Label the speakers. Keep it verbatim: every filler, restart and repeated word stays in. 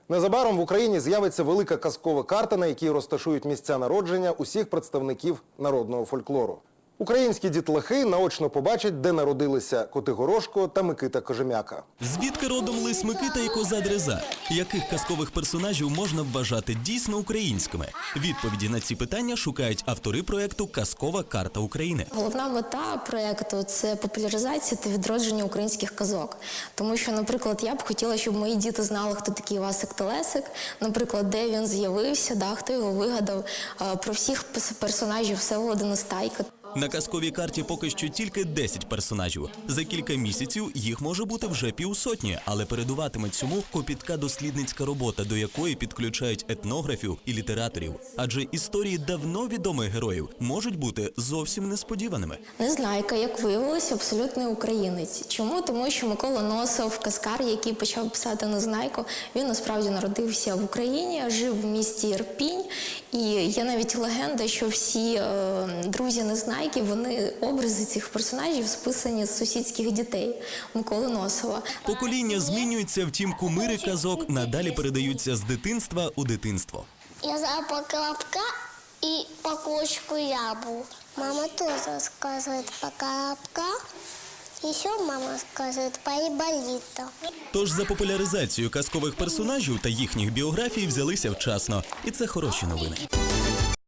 Speaker 1: Незабаром в Україні з'явиться велика казкова карта, на якій розташують місця народження усіх представників народного фольклору. Українські дітлахи наочно побачать, де народилися Котигорошко та Микита Кожем'яка.
Speaker 2: Звідки родом лис Микита і коза Дреза? Яких казкових персонажів можна вважати дійсно українськими? Відповіді на ці питання шукають автори проєкту «Казкова карта України».
Speaker 3: Головна мета проєкту – це популяризація та відродження українських казок. Тому що, наприклад, я б хотіла, щоб мої діти знали, хто такий Івасик Телесик, наприклад, де він з'явився, да, хто його вигадав, про всіх персонажів Всеволода Нестайка.
Speaker 2: На казковій карті поки що тільки десять персонажів. За кілька місяців їх може бути вже півсотні, але передуватиме цьому копітка дослідницька робота, до якої підключають етнографів і літераторів. Адже історії давно відомих героїв можуть бути зовсім несподіваними.
Speaker 3: Незнайка, як виявилося, абсолютний українець. Чому? Тому що Микола Носов, казкар, який почав писати Незнайку, він насправді народився в Україні, жив в місті Ірпінь. І є навіть легенда, що всі е, друзі Незнайки, вони образи цих персонажів списані з сусідських дітей Миколи Носова.
Speaker 2: Покоління змінюються, втім кумири казок надалі передаються з дитинства у дитинство.
Speaker 4: Я знаю про Колобка и по кошку Ябу. Мама тоже рассказывает про Колобка. Еще мама рассказывает про Айболита.
Speaker 2: Тож за популяризацію казкових персонажів та їхніх біографій взялися вчасно. І це хороші новини.